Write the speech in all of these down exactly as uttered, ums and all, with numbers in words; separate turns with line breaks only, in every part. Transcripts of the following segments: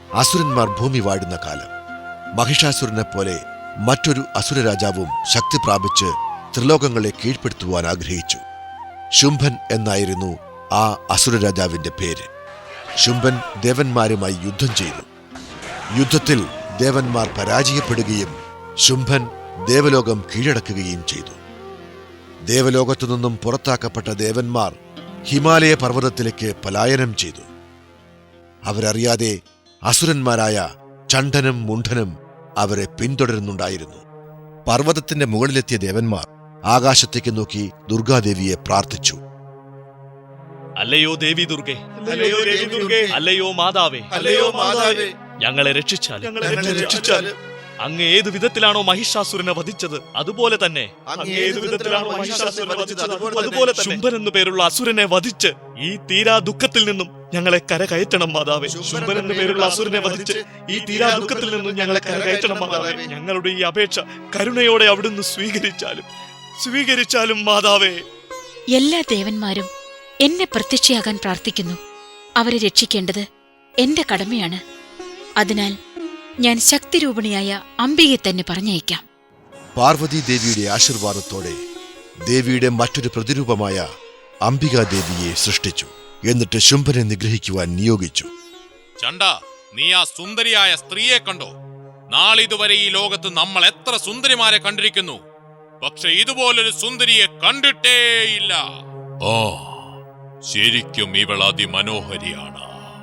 അസുരന്മാർ ഭൂമി വാഴുന്ന കാലം. മഹിഷാസുരനെ പോലെ മറ്റൊരു അസുരരാജാവും ശക്തി പ്രാപിച്ച് ത്രിലോകങ്ങളെ കീഴ്പ്പെടുത്തുവാൻ ആഗ്രഹിച്ചു. ശുംഭൻ എന്നായിരുന്നു ആ അസുരരാജാവിന്റെ പേര്. ശുംഭൻ ദേവന്മാരുമായി യുദ്ധം ചെയ്തു. യുദ്ധത്തിൽ ദേവന്മാർ പരാജയപ്പെടുകയും ശുംഭൻ ദേവലോകം കീഴടക്കുകയും ചെയ്തു. ദേവലോകത്തു നിന്നും പുറത്താക്കപ്പെട്ട ദേവന്മാർ ഹിമാലയ പർവ്വതത്തിലേക്ക് പലായനം ചെയ്തു. അവരറിയാതെ അസുരന്മാരായ ചണ്ഡനും മുണ്ഡനും അവരെ പിന്തുടരുന്നുണ്ടായിരുന്നു. പർവ്വതത്തിന്റെ മുകളിലെത്തിയ ദേവന്മാർ ആകാശത്തേക്ക് നോക്കി ദുർഗാദേവിയെ പ്രാർത്ഥിച്ചു.
അല്ലയോ ദേവി ദുർഗേ, അല്ലയോ ദേവി ദുർഗേ, അല്ലയോ മാതാവേ, അല്ലയോ മാതാവേ, ഞങ്ങളെ രക്ഷിച്ചാലും രക്ഷിച്ചാലും അങ്ങ് ഏതു വിധത്തിലാണോ മഹിഷാസുരനെ വധിച്ചത് അതുപോലെ തന്നെ അതുപോലെ ശുംഭൻ എന്നു പേരുള്ള അസുരനെ വധിച്ച് ഈ തീരാ ദുഃഖത്തിൽ നിന്നും ഞങ്ങളെ കരകയറ്റണം മാതാവേ. ശുംഭൻ എന്നു പേരുള്ള അസുരനെ വധിച്ച് ഈ തീരാ ദുഃഖത്തിൽ നിന്നും ഞങ്ങളെ കരകയറ്റണം മാതാവേ. ഞങ്ങളുടെ ഈ അപേക്ഷ കരുണയോടെ അവിടുന്ന് സ്വീകരിച്ചാലും സ്വീകരിച്ചാലും മാതാവേ.
എല്ലാ ദേവന്മാരും എന്നെ പ്രത്യക്ഷയാകാൻ പ്രാർത്ഥിക്കുന്നു. അവരെ രക്ഷിക്കേണ്ടത് എന്റെ കടമയാണ്. അതിനാൽ ഞാൻ ശക്തിരൂപിണിയായ അംബികയെ തന്നെ പറഞ്ഞയക്കാം.
പാർവതി ദേവിയുടെ ആശീർവാദത്തോടെ ദേവിയുടെ മറ്റൊരു പ്രതിരൂപമായ അംബികാദേവിയെ സൃഷ്ടിച്ചു. എന്നിട്ട് ശുംഭനെ നിഗ്രഹിക്കുവാൻ നിയോഗിച്ചു.
ചണ്ട, നീ ആ സുന്ദരിയായ സ്ത്രീയെ കണ്ടോ? നാളിതുവരെ ഈ ലോകത്ത് നമ്മൾ എത്ര സുന്ദരിമാരെ കണ്ടിരിക്കുന്നു, പക്ഷെ ഇതുപോലൊരു സുന്ദരിയെ കണ്ടിട്ടേയില്ല. ഓ, ശരിക്കും ഇവൾ അതിമനോഹരിയാണ്.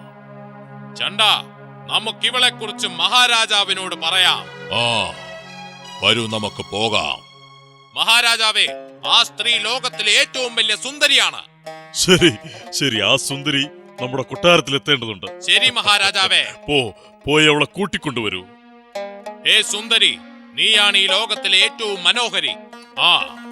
ചണ്ട, നമുക്കിവളെ കുറിച്ച് മഹാരാജാവിനോട് പറയാം. ആ, വരൂ, നമുക്ക് പോകാം. മഹാരാജാവേ, ആ സ്ത്രീ ലോകത്തിലെ ഏറ്റവും വലിയ സുന്ദരിയാണ്.
ശരി ശരി ആ സുന്ദരി നമ്മുടെ കൊട്ടാരത്തിൽ എത്തേണ്ടതുണ്ട്.
ശരി മഹാരാജാവേ.
പോ പോയി അവളെ കൂട്ടിക്കൊണ്ടുവരൂ.
ഹേ സുന്ദരി, നീയാണ് ഈ ലോകത്തിലെ ഏറ്റവും മനോഹരി. ആ,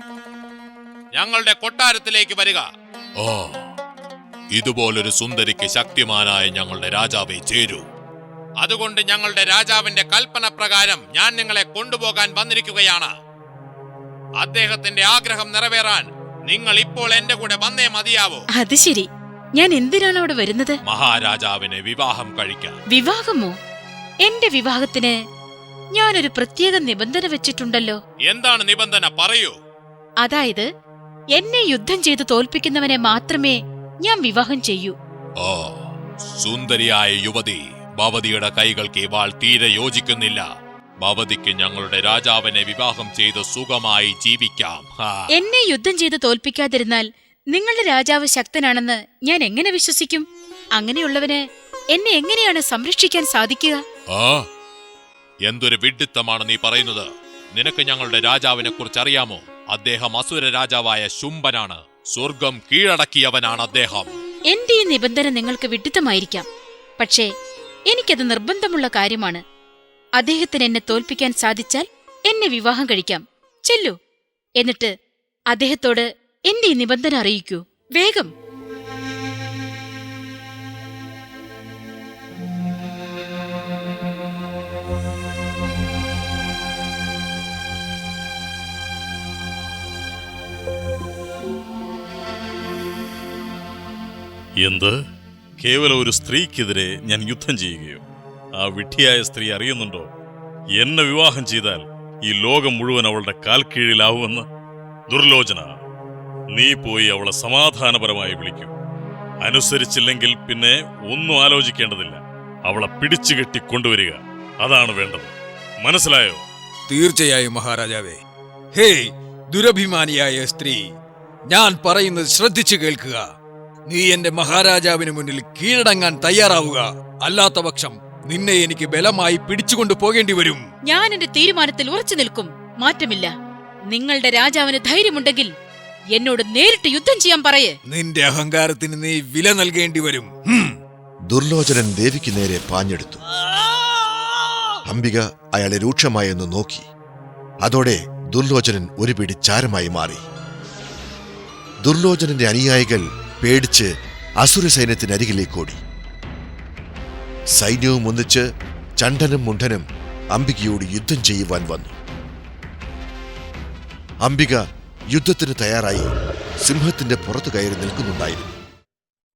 ഞങ്ങളുടെ കൊട്ടാരത്തിലേക്ക് വരിക. ഓ, ഇതുപോലൊരു സുന്ദരിക്ക് ശക്തിമാനായ ഞങ്ങളുടെ രാജാവെ ചേരൂ. അതുകൊണ്ട് ഞങ്ങളുടെ രാജാവിന്റെ കൽപ്പന പ്രകാരം ഞാൻ നിങ്ങളെ കൊണ്ടുപോകാൻ വന്നിരിക്കുകയാണ്. അദ്ദേഹത്തിന്റെ ആഗ്രഹം നിറവേറാൻ നിങ്ങൾ ഇപ്പോൾ എന്റെ കൂടെ വന്നേ മതിയാവൂ.
അത് ശരി, ഞാൻ എന്തിനാണ് അവിടെ വരുന്നത്?
മഹാരാജാവിനെ വിവാഹം കഴിക്കാൻ.
വിവാഹമോ? എന്റെ വിവാഹത്തിന് ഞാനൊരു പ്രത്യേക നിബന്ധന വെച്ചിട്ടുണ്ടല്ലോ.
എന്താണ് നിബന്ധന? പറയൂ.
അതായത് എന്നെ യുദ്ധം ചെയ്ത് തോൽപ്പിക്കുന്നവനെ മാത്രമേ ഞാൻ വിവാഹം ചെയ്യൂ.
ഓ, സുന്ദരിയായ യുവതി, ഭവതിയുടെ കൈകൾക്ക് ഇവാൾ തീരെ യോജിക്കുന്നില്ല. ഭവതിക്ക് ഞങ്ങളുടെ രാജാവിനെ വിവാഹം ചെയ്ത് സുഖമായി ജീവിക്കാം.
എന്നെ യുദ്ധം ചെയ്ത് തോൽപ്പിക്കാതിരുന്നാൽ നിങ്ങളുടെ രാജാവ് ശക്തനാണെന്ന് ഞാൻ എങ്ങനെ വിശ്വസിക്കും? അങ്ങനെയുള്ളവന് എന്നെ എങ്ങനെയാണ് സംരക്ഷിക്കാൻ സാധിക്കുക?
ആ, എന്തൊരു വിഡ്ഢിത്തമാണ് നീ പറയുന്നത്. നിനക്ക് ഞങ്ങളുടെ രാജാവിനെ കുറിച്ച് അറിയാമോ? അദ്ദേഹം അസുര രാജാവായ ശുംഭനാണ്. സ്വർഗം കീഴടക്കിയവനാണ് അദ്ദേഹം.
എന്റെ ഈ നിബന്ധന നിങ്ങൾക്ക് വിഡ്ഢിത്തമായിരിക്കാം, പക്ഷേ എനിക്കത് നിർബന്ധമുള്ള കാര്യമാണ്. അദ്ദേഹത്തിന് എന്നെ തോൽപ്പിക്കാൻ സാധിച്ചാൽ എന്നെ വിവാഹം കഴിക്കാം. ചെല്ലു, എന്നിട്ട് അദ്ദേഹത്തോട് എന്റെ ഈ നിബന്ധന അറിയിക്കൂ. വേഗം.
എന്ത്? കേവലം ഒരു സ്ത്രീക്കെതിരെ ഞാൻ യുദ്ധം ചെയ്യുകയോ? ആ വിഡ്ഢിയായ സ്ത്രീ അറിയുന്നുണ്ടോ എന്നെ വിവാഹം ചെയ്താൽ ഈ ലോകം മുഴുവൻ അവളുടെ കാൽ കീഴിലാവുമെന്ന്? ദുർലോചന, നീ പോയി അവളെ സമാധാനപരമായി വിളിക്കൂ. അനുസരിച്ചില്ലെങ്കിൽ പിന്നെ ഒന്നും ആലോചിക്കേണ്ടതില്ല. അവളെ പിടിച്ചു കെട്ടി കൊണ്ടുവരിക, അതാണ് വേണ്ടത്. മനസ്സിലായോ?
തീർച്ചയായും മഹാരാജാവേ. ഹേയ് ദുരഭിമാനിയായ സ്ത്രീ, ഞാൻ പറയുന്നത് ശ്രദ്ധിച്ചു കേൾക്കുക. നീ എന്റെ മഹാരാജാവിന് മുന്നിൽ കീഴടങ്ങാൻ തയ്യാറാവുക. അല്ലാത്ത പക്ഷം നിന്നെ എനിക്ക് ബലമായി പിടിച്ചുകൊണ്ടു പോകേണ്ടി വരും.
ഞാൻ എന്റെ തീരുമാനത്തിൽ ഉറച്ചു നിൽക്കും. മാറ്റമില്ല. നിങ്ങളുടെ രാജാവിന് ധൈര്യമുണ്ടെങ്കിൽ എന്നോട് നേരിട്ട് യുദ്ധം ചെയ്യാൻ പറയേ.
നിന്റെ അഹങ്കാരത്തിന് നീ വില നൽകേണ്ടി വരും.
ദുർലോചനൻ ദേവിക്ക് നേരെ പാഞ്ഞെടുത്തു. അംബിക അയാളെ രൂക്ഷമായെന്ന് നോക്കി. അതോടെ ദുർലോചനൻ ഒരു പിടി ചാരമായി മാറി. ദുർലോചനന്റെ അനുയായികൾ പേടിച്ച് അസുര സൈന്യത്തിനരികിലേക്കോടി. സൈന്യവും ഒന്നിച്ച് ചണ്ഡനും മുണ്ഡനും അംബികയോട് യുദ്ധം ചെയ്യുവാൻ വന്നു. അംബിക യുദ്ധത്തിന് തയ്യാറായി സിംഹത്തിന്റെ പുറത്തു കയറി നിൽക്കുന്നുണ്ടായിരുന്നു.